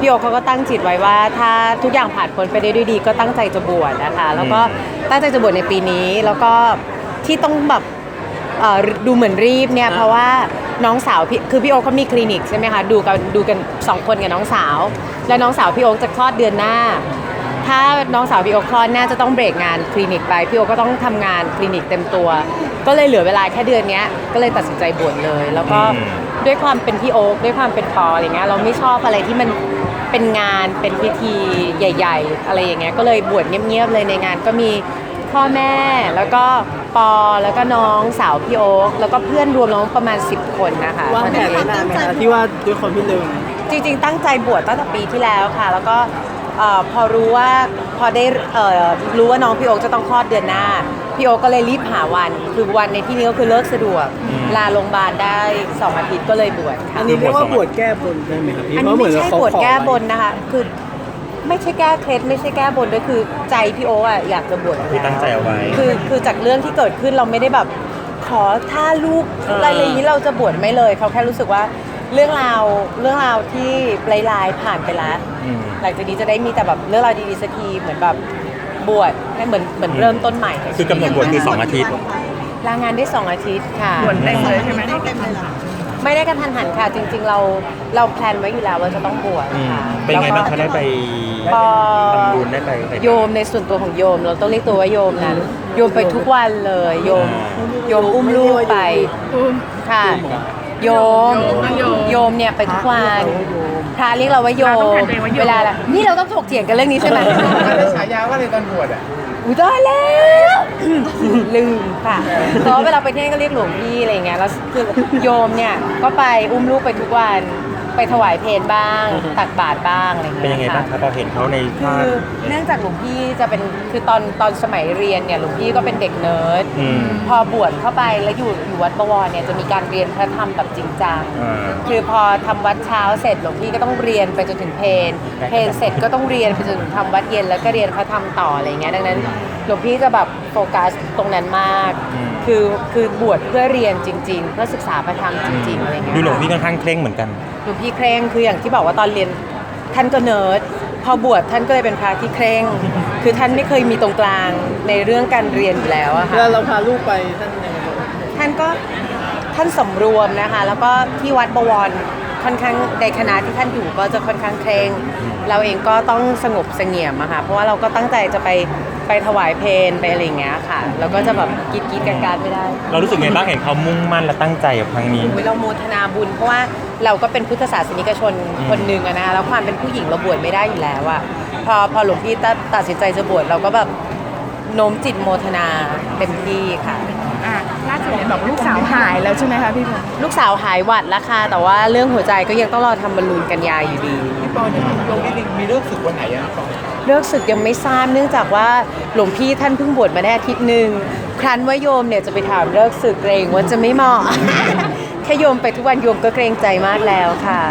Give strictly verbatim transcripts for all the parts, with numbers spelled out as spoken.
พี่โอเขาก็ตั้งจิตไว้ว่าถ้าทุกอย่างผ่านพ้นไปได้ด้วยดีก็ตั้งใจจะบวชนะคะแล้วก็ตั้งใจจะบวชในปีนี้แล้วก็ที่ต้องแบบดูเหมือนรีบเนี่ยเพราะว่าน้องสาวพี่คือพี่โอ๊คเขามีคลินิกใช่ไหมคะดูกันดูกันสองคนกับน้องสาวแล้วน้องสาวพี่โอ๊คจะคลอดเดือนหน้าถ้าน้องสาวพี่โอ๊คคลอดน่าจะต้องเบรกงานคลินิกไปพี่โอ๊คก็ต้องทำงานคลินิกเต็มตัวก็เลยเหลือเวลาแค่เดือนนี้ก็เลยตัดสินใจบวชเลยแล้วก็ด้วยความเป็นพี่โอ๊คด้วยความเป็นปออะไรเงี้ยเราไม่ชอบอะไรที่มันเป็นงานเป็นพิธีใหญ่ๆอะไรอย่างเงี้ยก็เลยบวชเงียบๆเลยในงานก็มีพ่อแม่แล้วก็ปอแล้วก็น้องสาวพี่โอ๊คแล้วก็เพื่อนรวมน้องประมาณสิบคนนะคะวางแผนไว้นานไหมคะที่ว่าด้วยคนพี่หนึ่งจริงๆตั้งใจบวชตั้งแต่ปีที่แล้วค่ะแล้วก็พอรู้ว่าพอได้รู้ว่าน้องพี่โอ๊คจะต้องคลอดเดือนหน้าพี่โอ๊คก็เลยรีบหาวันคือวันในที่นี้ก็คือเลิกสะดวกลาโรงพยาบาลได้สองอาทิตย์ก็เลยบวชค่ะอันนี้เรียกว่าบวชแก้บนได้ไหมครับพี่อันนี้ไม่ใช่บวชแก้บนนะคะคือไม่ใช่แก้เคล็ดไม่ใช่แก้บนด้วยคือใจพี่โอ๊คอะอยากจะบวชคือตั้งใจเอาไว้คือคือจากเรื่องที่เกิดขึ้นเราไม่ได้แบบขอถ้าลูกอะไรอย่างนี้เราจะบวชไม่เลยเขาแค่รู้สึกว่าเรื่องราวเรื่องราวที่ลายๆผ่านไปแล้วหลังจากนี้จะได้มีแต่แบบเรื่องราวดีๆสักทีเหมือนแบบบวชให้เหมือนเหมือนเริ่มต้นใหม่คือกำหนดบวชคือสองอาทิตย์ลางานได้สองอาทิตย์ค่ะบวชเต็มเลยใช่ไหมเต็มเลยไม่ได้กระทันหันค่ะจริงๆเราเราแพลนไว้อยู่แล้วว่าจะต้องบวชค่ะเป็นไงบ้างเขาได้ไปทำบุญได้ไปโยมในส่วนตัวของโยมเราต้องเรียกตัวว่าโยมนั้นโยมไปทุกวันเลยโยมโยมอุ้มลูกไปค่ะโยมโยมเนี่ยไปทุกวันพระเรียกเราว่าโยมเวลาละนี่เราต้องถกเถียงกันเรื่องนี้ใช่ไหมได้ฉายาว่าอะไรตอนบวชอ่ะอุ้ยได้แล้วลืมค่ะเพราะเวลาไปเที่ยวก็เรียกหลวงพี่อะไรเงี้ยแล้วคือโยมเนี่ยก็ไปอุ้มลูกไปทุกวันไปถวายเพลบ้างตักบาตรบ้างอะไรเงี้ยเป็นยังไงบ้างครับพอเห็นเขาในภาพเนื่องจากหลวงพี่จะเป็นคือตอนตอนสมัยเรียนเนี่ยหลวงพี่ก็เป็นเด็กเนิร์ดพอบวชเข้าไปแล้วอยู่อยู่วัดบวรเนี่ยจะมีการเรียนพระธรรมแบบจริงจังคือพอทำวัดเช้าเสร็จหลวงพี่ก็ต้องเรียนไปจนถึงเพลเพลเสร็จก็ต้องเรียนไปจนถึงทำวัดเย็นแล้วก็เรียนพระธรรมต่ออะไรเงี้ยดังนั้นหลวงพี่จะแบบโฟกัสตรงนั้นมากคือคือบวชเพื่อเรียนจริงๆเพื่อศึกษาพระธรรมจริงๆอะไรเงี้ยดูหลวงพี่ค่อนข้างเคร่งเหมือนกันหลวงพี่เคร่งคืออย่างที่บอกว่าตอนเรียนท่านก็เนิร์ดพอบวชท่านก็เลยเป็นพระที่เคร่งคือท่านไม่เคยมีตรงกลางในเรื่องการเรียนอยู่แล้วอะค่ะแล้วเราพาลูกไปท่านยังไงท่านก็ท่านสำรวมนะคะแล้วก็ที่วัดบวรค่อนข้างในคณะที่ท่านอยู่ก็จะค่อนข้างเคร่งเราเองก็ต้องสงบเสงี่ยมอะค่ะเพราะว่าเราก็ตั้งใจจะไปไปถวายเพลไปอะไรอย่างเงี้ยค่ะแล้วก็จะแบบกีดกีดการๆไม่ได้เรารู้สึกไงบ้างเห็นเขามุ่งมั่นและตั้งใจกับครั้งนี้เราโมทนาบุญเพราะว่าเราก็เป็นพุทธศาสนิกชนคนหนึ่งอะนะแล้วความเป็นผู้หญิงเราบวชไม่ได้อยู่แล้วอะพอพอหลวงพี่ตัดสินใจจะบวชเราก็แบบโน้มจิตโมทนาเต็มที่ค่ะอ่าล่าสุดเนี่ยบอกลูกสาวหายแล้วใช่ไหมคะพี่พงลูกสาวหายหวัดแล้วค่ะแต่ว่าเรื่องหัวใจก็ยังต้องรอทำบอลลูนกันยาอยู่ดีพี่ปอเนี่ยลงนิดนึงมีเรื่องศึกวันไหนอ่ะเลิกศึกยังไม่ทราบเนื่องจากว่าหลวงพี่ท่านเพิ่งบวชมาได้อาทิตย์หนึ่งครั้นว่าโยมเนี่ยจะไปถามเลิกศึกเกรงว่าจะไม่เหมาะ แค่โยมไปทุกวันโยมก็เกรงใจมากแล้วค่ะ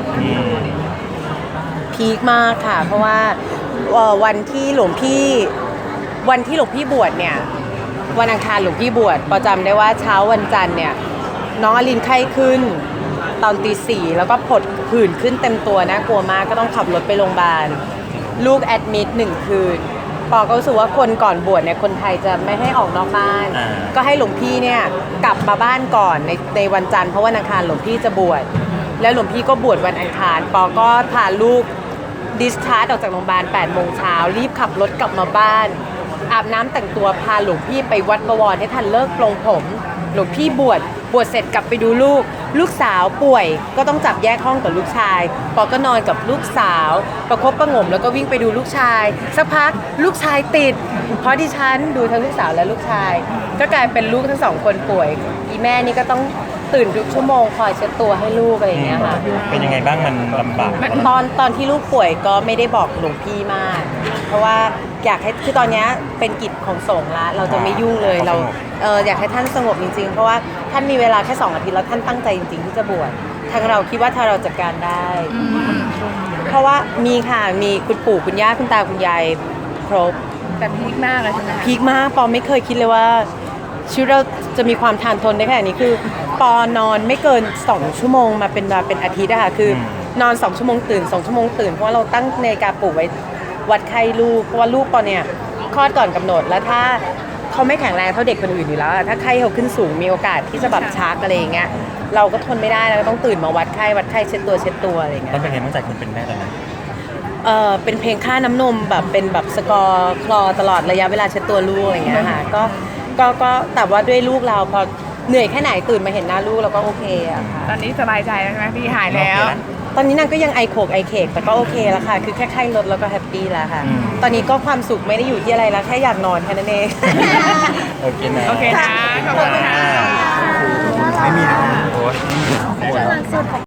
พีคมากค่ะเพราะว่าวันที่หลวงพี่วันที่หลวงพี่บวชเนี่ยวันอังคารหลวงพี่บวชประจำได้ว่าเช้าวันจันทร์เนี่ยน้องอลินไข้ขึ้นตอนตีสี่แล้วก็ผดผื่นขึ้นเต็มตัวนะกลัวมากก็ต้องขับรถไปโรงพยาบาลลูกแอดมิดหนึ่งคืนปอก็รู้สึกว่าคนก่อนบวชเนี่ยคนไทยจะไม่ให้ออกนอกบ้านก็ให้หลวงพี่เนี่ยกลับมาบ้านก่อนในในวันจันทร์เพราะวันอังคารหลวงพี่จะบวชแล้วหลวงพี่ก็บวชวันอังคารปอก็พาลูกดิสชาร์จออกจากโรงพยาบาลแปดโมงเช้ารีบขับรถกลับมาบ้านอาบน้ำแต่งตัวพาหลวงพี่ไปวัดบวรให้ทันเลิกปลงผมหลวงพี่บวชบวชเสร็จกลับไปดูลูกลูกสาวป่วยก็ต้องจับแยกห้องกับลูกชายปอก็นอนกับลูกสาวประคบประหงมแล้วก็วิ่งไปดูลูกชายสักพักลูกชายติดเพราะดิฉันดูทั้งลูกสาวและลูกชายก็กลายเป็นลูกทั้งสองคนป่วยอีแม่นี่ก็ต้องตื่นทุกชั่วโมงคอยเช็ดตัวให้ลูกอะไรอย่างเงี้ยค่ะเป็นยังไงบ้างมันลำบากตอนตอนที่ลูกป่วยก็ไม่ได้บอกหลวงพี่มากเพราะว่าอยากให้คือตอนนี้เป็นกิจของสงฆ์ละเราจะไม่ยุ่งเลยเราเอออยากให้ท่านสงบจริงๆเพราะว่าท่านมีเวลาแค่สองอาทิตย์แล้วท่านตั้งใจจริงๆที่จะบวชทางเราคิดว่าถ้าเราจัดการได้เพราะว่ามีค่ะมีคุณปู่คุณย่าคุณตาคุณยายครบแต่พีคมากเลยใช่ไหมพีคมากปอไม่เคยคิดเลยว่าชีวิตเราจะมีความทานทนได้ขนาดนี้คือปอนอนไม่เกินสองชั่วโมงมาเป็นมาเป็นอาทิตย์อะค่ะคือนอนสองชั่วโมงตื่นสองชั่วโมงตื่นเพราะว่าเราตั้งนาฬิกาปลุกไว้วัดไข้ลูกเพราะว่าลูกตอนเนี้ยคลอดก่อนกำหนดแล้วถ้าเขาไม่แข็งแรงเท่าเด็กคนอื่นอยู่แล้วอะถ้าไข้เขาขึ้นสูงมีโอกาสที่จะแบบชักอะไรอย่างเงี้ยเราก็ทนไม่ได้เราก็ต้องตื่นมาวัดไข้วัดไข้เช็ดตัวเช็ดตัวอะไรอย่างเงี้ต้อย งเป็นไงบ้างใจคนเป็นแม่ตอนนั้นเออเป็นเพลงค่าน้ำนมแบบเป็นแบบสกอร์คลอตลอดระยะเวลาเช็ดตัวลูกอะไรอย่างเงี้ยค่ะก็ก็ก็แต่ว่าด้วยลูกเราพอเหนื่อยแค่ไหนตื่นมาเห็นหน้าลูกเราก็โอเคอะค่ะตอนนี้สบายใจแล้วใช่ไหมพี่หายแล้วโอเคนะตอนนี้นางก็ยังไอโขกไอเคกแต่ก็โอเคแล้วค่ะ คือแค่ไข้ลดแล้วก็แฮปปี้แล้วค่ะอืมตอนนี้ก็ความสุขไม่ได้อยู่ที่อะไรแล้วแค่อยากนอนแค่นั้นเองโอเคนะโอเคนะ ขอบคุณค่ะไม่มีนะโอ้ย